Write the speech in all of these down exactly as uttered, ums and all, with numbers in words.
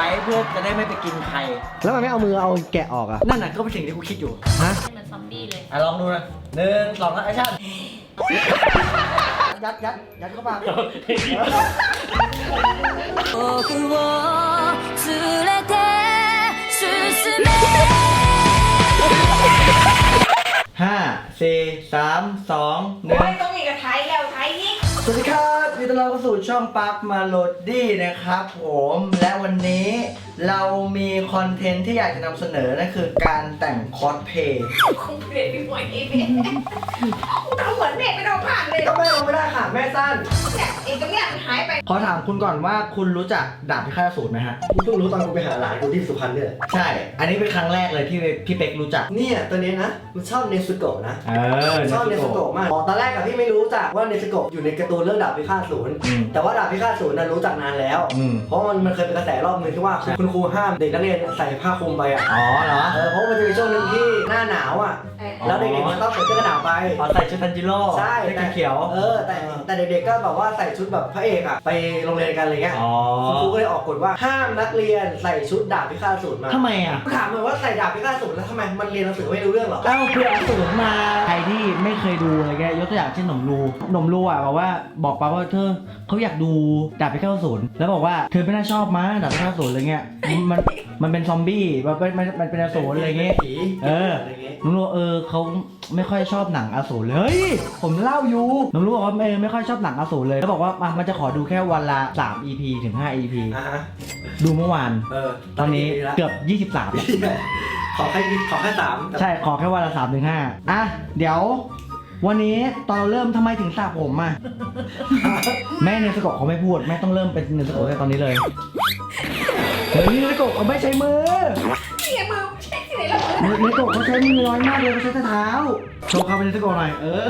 ว้เพื่อจะได้ไม่ไปกินใครแล้วมันไม่เอามือเอาแกะออกอ่ะนั่นน่ะก็เป็นสิ่งที่กูคิดอยู่ฮะเหมือนซอมบี้เลยอ่ะลองดูนะหนึ่งสองแล้วแอคชั่นยัดยัดยัดเข้าปากห้าสี่สามสองหนึ่งต้องมีกระไทยแล้วไทยอีกสวัสดีครับยินดีต้อนรับเข้าสู่ช่องปาร์คมาโลดี้นะครับผมและวันนี้เรามีคอนเทนต์ที่อยากจะนำเสนอนั่นคือการแต่งคอสเพลย์คงเปลี่ยนไปหมดเองเนี่ยทำเหมือนเด็กไม่ต้องผ่านเลยก็ไม่ลงไม่ได้ค่ะแม่สั้นเนี่ยเอกเนี่ยมันหายไปขอถามคุณก่อนว่าคุณรู้จักดาบพิฆาตอสูรไหมฮะกูเพิ่งรู้ตอนกูไปหาหลานกูที่สุพรรณเนี่ยใช่อันนี้เป็นครั้งแรกเลยที่พี่เป็กรู้จักเนี่ยตัวนี้นะมันชอบเนซึโกะนะเออชอบเนซึโกะมากตอนแรกกับพี่ไม่รู้จักว่าเนซึโกะอยู่ในการ์ตูนเรื่องดาบพิฆาตอสูรแต่ว่าดาบพิฆาตอสูรนั้นรู้จักนานแล้วเพราะมันมันเคยเป็นกระแสรอบนึงที่ว่าคุณครูห้ามเด็กนักเรียนใส่ผ้าคลุมไปอ่ะอ๋อเหรอเออเพราะมันจะมีช่วงนึงที่หน้าหนาวอ่ะแล้วเด็กๆมันต้องใส่เสื้อกระหนาวไปใส่ชุดทันจิโร่ใช่แต่เขียวเออแต่แต่เด็กๆก็แบบว่าใส่ชุดแบบพระเอกอ่ะไปโรงเรียนกันอะไรเงี้ยคุณครูก็เลยออกกฎว่าห้ามนักเรียนใส่ชุดดาบพิฆาตอสูรมาทำไมอ่ะถามเลยว่าใส่ดาบพิฆาตอสูรแล้วทำไมมันเรียนหนังสือไม่รู้เรื่องหรอเอ้าคืออสูรมาใครที่ไม่เคยดูอะไรแกยกตัวอย่างเช่นหนมรูหนมรูอ่ะบอกว่าบอกป้าว่าเธอเขาอยากดูดาบพิฆาตอสูรแล้วบอกว่าเธอไม่น่าชอบมั้ยดาบพิฆาตอสูรอะไรเงี้ยมันมันเป็นซอมบี้มันเป็นมันเป็นอสูรอะไรเงี้ยเออหนมรูเออเขาไม่ค่อยชอบหนังอสูรเลยเฮ้ยผมเล่าอยู่หนมรูบอกว่าเออไม่ค่อยชอบหนังอสูรเลยแล้วบอกว่ามันจะขอดูแค่วันละสาม อี พี ถึงห้า อี พี ดูเมื่อวานตอนนี้เกือบยี่สิบสามขอแค่ขอแค่สามใช่ขอแค่วันละสามถึงห้าอ่ะเดี๋ยววันนี้ตอนเราเริ่มทำไมถึงสระผมอ่ะแม่เนสโกะเขาไม่พูดแม่ต้องเริ่มเป็นเนสโกะในตอนนี้เลยเฮ้ยเนสโกะเขาไม่ใช้มือเนี่ยมือใช้ที่ไหนแล้วเนสโกะเขาใช้มือน้อยมากเลยเขาใช้แต่เท้าโชว์เขาเป็นเนสโกะหน่อยเออ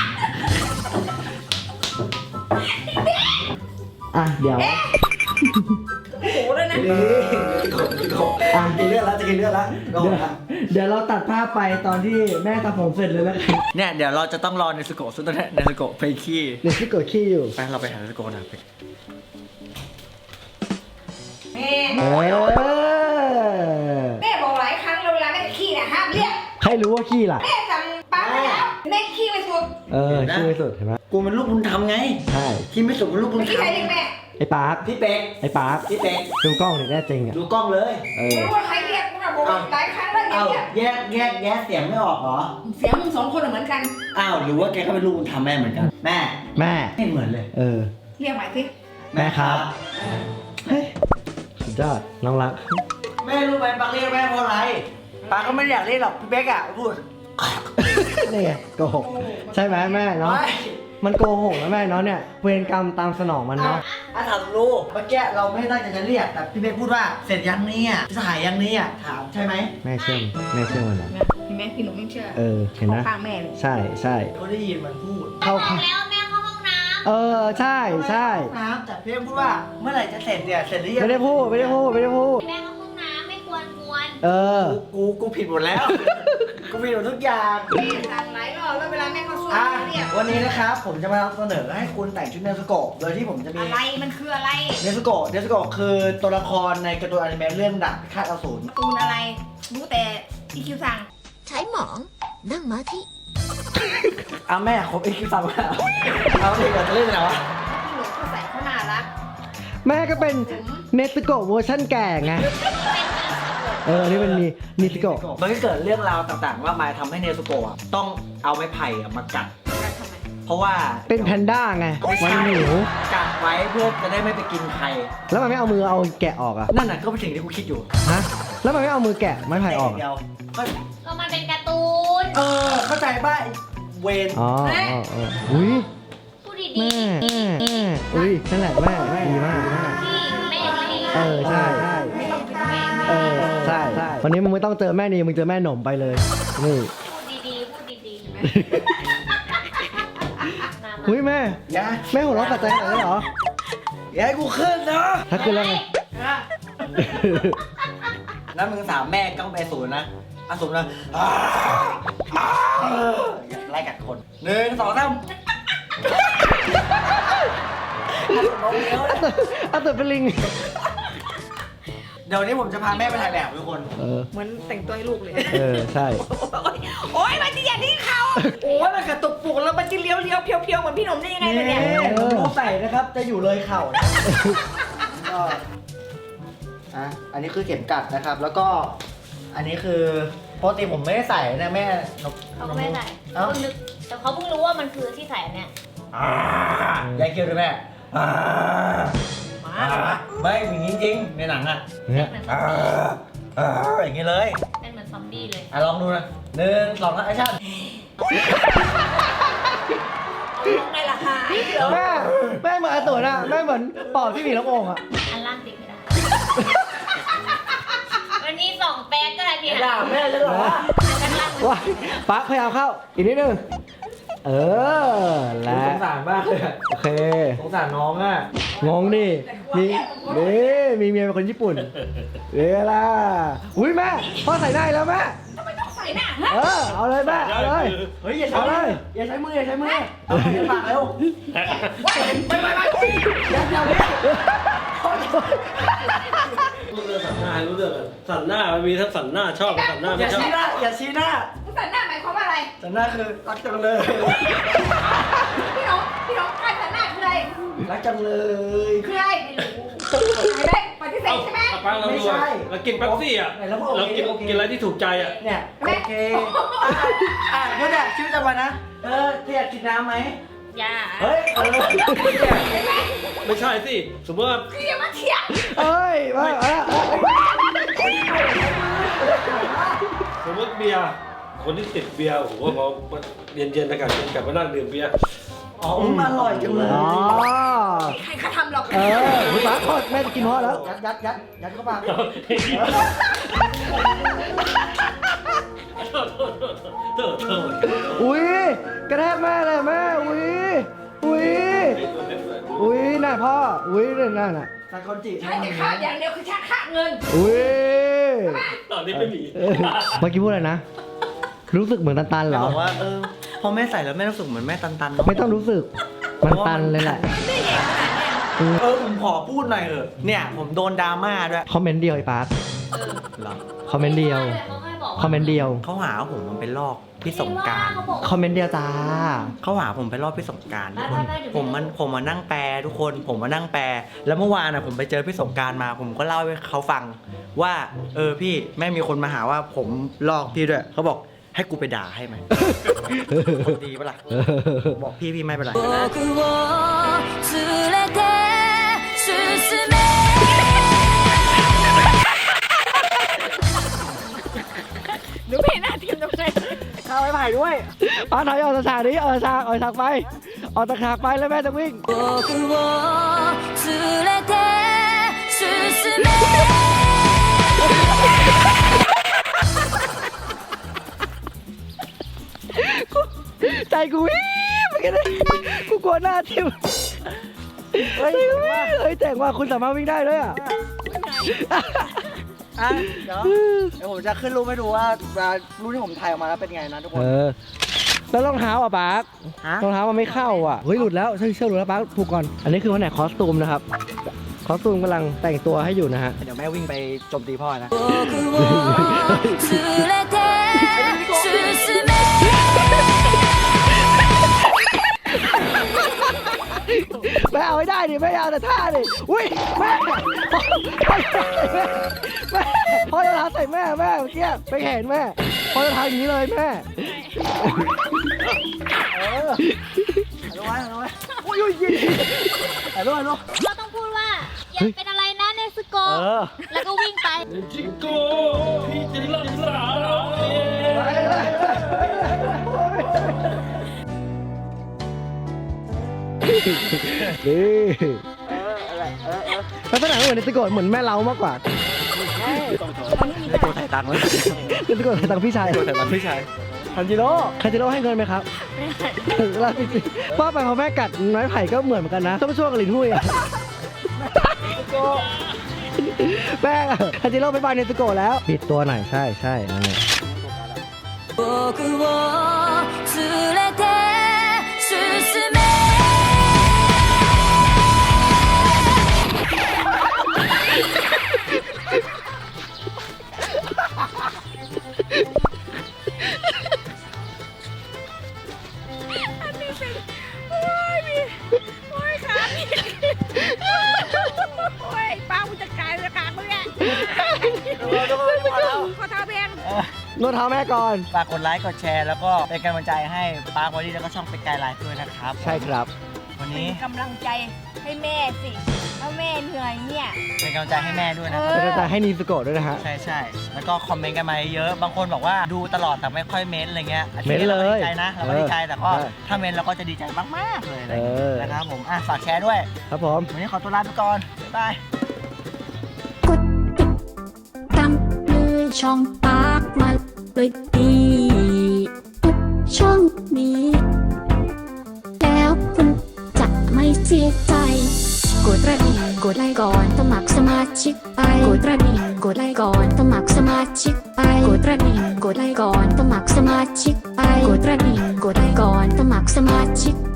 อ่ะเดี๋ยวโอ้โหเลยนะอ่ะกินเลือดแล้วจะกินเลือดแล้วเดี๋ยวเราตัดภาพไปตอนที่แม่ทำผมเสร็จเลยแล้วเนี่ยเดี๋ยวเราจะต้องรอเนสโกะซึ่งตอนนี้เนสโกะไปขี้เนสโกะขี้อยู่ไปเราไปหาเนสโกะนะไปแม่เออแม่บอกหลายครั้งเวลาแม่ขี้เนี่ยห้ามเรียกใครรู้ว่าขี้ล่ะแม่สั่งปั๊บแล้วแม่ขี้ไม่สุดเออขี้ไม่สุดเห็นไหมกูมันลูกบุญธรรมไงใช่ขี้ไม่สุดมันลูกบุญธรรมขี้ใครเรียกแม่ไอ้ปาร์คพี่เป็กไอ้ปาร์คพี่เป็กดูกล้องหน่อยแน่จริงอ่ะดูกล้องเลยเออรู้ว่าใครเรียกกูนะบอกหลายครั้งแล้วเนี่ยแยกแยกแยกเสียงไม่ออกเหรอเสียงมึงสองคนเหมือนกันอ้าวหรือว่าแกก็เป็นลูกบุญธรรมแม่เหมือนกันแม่แม่ไม่เหมือนเลยเออเรียกใหม่สิแม่ครับเฮ้ยสุดยอดน้องรักแม่รู้ไหมปาร์คเรียกแม่เพราะอะไรปาร์คก็ไม่อยากเรียกหรอกพี่เบ๊กอ่ะพูดนี่ไงโกหกใช่ไหมแม่เนาะมันโกหกนะแม่เนาะเนี่ยเวรกรรมตามสนองมันเนาะอ่ะถามลูกเมื่อกี้เราไม่ตั้งใจจะเรียกแต่พี่เบ๊กพูดว่าเสร็จยังนี่อ่ะจะถ่ายยังนี่อ่ะถามใช่ไหมแม่เชื่อแม่เชื่อมันเหรอพี่แม่พี่หนูไม่เชื่อเออเห็นนะข้างแม่เลยใช่ใช่เขาได้ยินมันพูดเข้าแล้วแม่เข้าห้องน้ำเออใช่ใช่น้ำแต่พี่เบ๊กพูดว่าเมื่อไหร่จะเสร็จเนี่ยเสร็จหรือยังไม่ได้พูดไม่ได้พูดไม่ได้พูดแม่เข้าห้องน้ำไม่ควรกวนเออกูกูผิดหมดแล้วกูผิดหมดทุกอย่างสั่งหลายรอบแล้วเวลาแม่เขาช่วยเนี่ยวันนี้นะครับผมจะมาเสนอให้คุณแต่งชุดเนสโกะโดยที่ผมจะมีอะไรมันคืออะไรเนสโกะเนสโกะคือตัวละครในการ์ตูนอนิเมะเรื่องดาบพิฆาตอสูรตูนอะไรรู้แต่อีคิวสั่งใช้หมองนั่งมาที่อ้าแม่ครบอีคิวสั่งแล้วเอาเด็กจะเล่นอะไรวะพี่หนูเขาใส่เขาน่ารักแม่ก็เป็นเนสโกะเวอร์ชั่นแก่ไงเออนี่มันมีเนสโกะมันก็เกิดเรื่องราวต่างๆว่ามาทำให้เนสโกะต้องเอาไม้ไผ่มากัดเพราะว่าเป็นแพนด้าไงมันหนูกัดไว้เพื่อจะได้ไม่ไปกินใครแล้วมันไม่เอามือเอาแกะออกอ่ะนั่นน่ะก็เป็นสิ่งที่กูคิดอยู่ฮะแล้วมันไม่เอามือแกะไม้ไผ่ออกเดียวก็มันเป็นการ์ตูนเออเข้าใจป่ะเวนอ๋ออ๋ออุ้ยพูดดีๆอุ้ยนั่นแหละแม่ดีมากพี่แม่ไม่เออใช่เออใช่วันนี้มึงไม่ต้องเจอแม่นีมึงเจอแม่หนมไปเลยนี่พูดดีๆพูดดีๆไหมอุ้ยแม่แม่หัวเราะตัดใจขนาดนี้เหรออย่าให้กูขึ้นนะถ้าขึ้นแล้วไงแล้วมึงสามแม่ก็ไปศูนย์นะอสูรนะไล่กัดคนหนึ่งสองสามอัตเตอร์เป็นลิงเดี๋ยววันนี้ผมจะพาแม่ไปถ่ายแบบทุกคนเออเหมือนแต่งตัวให้ลูกเลยเออ ใช่โอ๊ยมันจะอย่างนี้เขาโอ้ยมันกระตุกปุกแล้วมันจะเลี้ยวเลี้ยวเพียวเพียวเหมือนพี่หนุ่มได้ยังไงนี่เนี่ยผมรู้ใส่นะครับ จะอยู่เลยเข่านะก็อ่ะอันนี้คือเข็มกัดนะครับ แล้วก็ อันนี้คือปกติผมไม่ได้ใส่นะแม่นกเขาก็ไม่ใส่เอ้าเขาเพิ่งนึกแต่เขาเพิ่งรู้ว่ามันคือที่ใส่อันเนี่ยอ่ายายเกียวด้วยแม่อ่าอ่าไม่อย่างนี้จริงในหนังอ่ะเนี่ยอ่าอ่าอย่างนี้เลยเป็นเหมือนซอมบี้เลยอ่ะลองดูนะหนึ่งสองแอคชั่นมองในราคาเหรอแม่แม่เหมือนอาตุ๋นอะแม่เหมือนปอบที่มีลูกโป่งอะอันล่างติดไม่ได้ มันมีสองแป๊กก็ได้เนี่ยด่าแม่เลยเหรออันล่างว้ายปักพยายามเข้า อีกนิดนึง เออ และสงสารมากเลยอะโอเคสงสารน้องอ่ะงงดิ มีนี่มีเมียเป็นคนญี่ปุ่นเวลาอุ้ยแม่ พ่อใส่ได้แล้วแม่ทำไมต้องใส่หน้าฮะเออ เอาเลยแม่ เอาเลยเฮ้ยอย่าใช้เอาเลมือย อย่าใช้มืออย่าใช้มือเอาไปปากเร็วไปไปไปไปอย่าอย่าเล่นรู้เรื่องสันหน้ารู้เรื่องอะสันหน้ามันมีทั้งสันหน้าชอบกับสันหน้าอไม่ย่าชอบชี้หน้าอย่าชี้หน้าใส่หน้าหมายความว่าอะไรแต่หน้าคือรักจังเลยพี่น้องพี่น้องการใส่หน้าคืออะไรรักจังเลยคืออะไรไม่ได้ปฏิเสเอาธใช่ไหมเอาปังเราไม่ดูใช่เรากินเป๊ปซี่อ่ะไหนแล้วบอกโอเราเคกินโอเคกินอะไรที่ถูกใจอ่ะเนี่ยโอเคอ่ะอ่ะเดี๋ยวเนี่ยชีวิตประจำวันนะเออเธออยากกินน้ำไหมอย่าเฮ้ยเออไม่ใช่สิสมมติว่าพี่อย่ามาเถียงเอ้ยไม่เอาละเอาละสมมติเบียร์คนที่ติดเบียร์โอ้โหพอเย็นๆอากาศเย็นกลับมานั่งดื่มเบียร์อ๋ออืมอร่อยจังเลยอ๋อใครเขาทำหรอกเออคุณป้าทอดแม่จะกินฮอตแล้วยัดยัดยัดยัดเข้าปากโทษโทษโทษโทษอุ้ยกระแทกแม่เลยแม่ อุ้ย อุ้ย อุ้ยน่าพ่อ อุ้ยเนี่ยน่าน่ะซาคอนจิใช่แต่ค่าอย่างเดียวคือชักค่าเงินอุ้ยตอนนี้ไม่มีเออเมื่อกี้พูดอะไรนะ รู้สึกเหมือนตันๆเหรแม่อบอกว่าเออพอแม่ใส่แล้วแม่รู้สึกเหมือนแม่ตันๆเนาะไม่ต้องรู้สึก มันตันเลยแหละเออผมขอพูดหน่อยเถอะเนี่ยผมโดนดราม่าด้วยคอมเมนต์เดียวไอ้ปาร์ตเหรอคอมเมนต์เดียวเขาให้บอกว่าคอมเมนต์เดียวเขาหาว่าผมมันเป็นลอกพี่สงกรารเขาบอกคอมเมนต์เดียวจ้าเขาหาผมไปรอบพี่สงกรารไม่ไม่ไม่เดี๋ยวผมมันผมมานั่งแปลทุกคนผมมานั่งแปล แล้วเมื่อวานอ่ะผมไปเจอพี่สงกรารมา ผมก็เล่าให้เขาฟังว่า เออพี่แม่มีคนมาหาว่าผมลอกพี่ด้วยเขาบอกให้กูไปด่าให้ไหม ดีปะล่ะบอกพี่พี่ไม่เป็นไรหนูไม่เห็นหน้าทีมตรงไหนข้าวไม้ไผ่ด้วยปาร์ตถอยออกจากฉากนี้ออกจากฉากออกจากฉากไป ออกจากฉากไปแล้วแม่จะวิ่ง ใจกูวิ่งไปกันเลยกูกลัวหน้าทิ่มเฮ้ยเฮ้ยเจ๋งว่าคุณสามารถวิ่งได้ด้วยอ่ะอ่ะเดี๋ยวเดี๋ยวผมจะขึ้นรูปให้ดูว่ารูปที่ผมถ่ายออกมาแล้วเป็นไงนะทุกคนเออ แล้วรองเท้าอ่ะปาร์คฮะรองเท้ามันไม่เข้าอ่ะ เฮ้ยหลุดแล้วเชือกเชือกหลุดแล้วปาร์คผูกก่อน อันนี้คือแผนกคอสตูมนะครับ คอสตูมกำลังแต่งตัวให้อยู่นะฮะเดี๋ยวแม่วิ่งไปโจมตีพ่อนะแม่เอาให้ได้ดิแม่เอาแต่ท่าดิอุ้ยแม่แม่พ่อจะทำใส่แม่แม่เมื่อกี้ไปเห็นแม่พ่อจะทำอย่างนี้เลยแม่เออเอาไว้เอาไว้อุ้ยอุ้ยยิงเอาไว้เอาไว้เราต้องพูดว่า อย่าเป็นอะไรนะเนสโกเออแล้วก็วิ่งไปจิโก้พี่จะรักษาเราเองนี่ลักษณะเหมือนในตะโกนเหมือนแม่เล้ามากกว่าได้ตัวถ่ายตังค์ไว้ในตะโกนใส่ตังค์พี่ชายตัวถ่ายตังค์พี่ชายคันจิโร่คันจิโร่ให้เงินไหมครับเราจริงๆว่าไปพอแม่กัดน้อยไผ่ก็เหมือนเหมือนกันนะต้องไปช่วยกับลินหุ้ยอะแม่คันจิโร่ไปบายในตะโกแล้วปิดตัวหน่อยใช่ใช่นั่นแหละขอเท้าแพงนวดเท้าแม่ก่อนฝากกดไลค์กดแชร์แล้วก็เป็นกำลังใจให้ปาร์คบอดี้แล้วก็ช่องเป็นไกด์ไลน์ด้วยนะครับใช่ครับวันเป็นี้นกำลังใจให้แม่สิถ้าแม่เหนื่อยเนี่ยเป็นกำลังใจให้แม่ด้วยนะเอเป็นกำลังใจให้นีสโกะด้วยนะฮะใช่ใช่แล้วก็คอมเมนต์กันมาเยอะบางคนบอกว่าดูตลอดแต่ไม่ค่อยเม้นต์อะไรเงี้ยเม้นต์เลยราก็ดีใจนะเราก็ดีใจแต่ก็เออถ้าเม้นต์เราก็จะดีใจมากๆเลยอะไรเอเงี้ยอนะครับผมอ่ะฝากแชร์ด้วยครับผมวันนี้ขอตัวลาไปก่อนบ๊ายบายกดติดตามเลยช่องปากมาเลยดีทุกช่องนี้ แล้วคุณจะไม่เสียใจ กดกระดิ่งกดไลค์ก่อนสมัครสมาชิกไปกดกระดิ่งกดไลค์ก่อนสมัครสมาชิกไปกดกระดิ่งกดไลค์ก่อนสมัครสมาชิกไปกดกระดิ่งกดไลค์ก่อนสมัครสมาชิกไป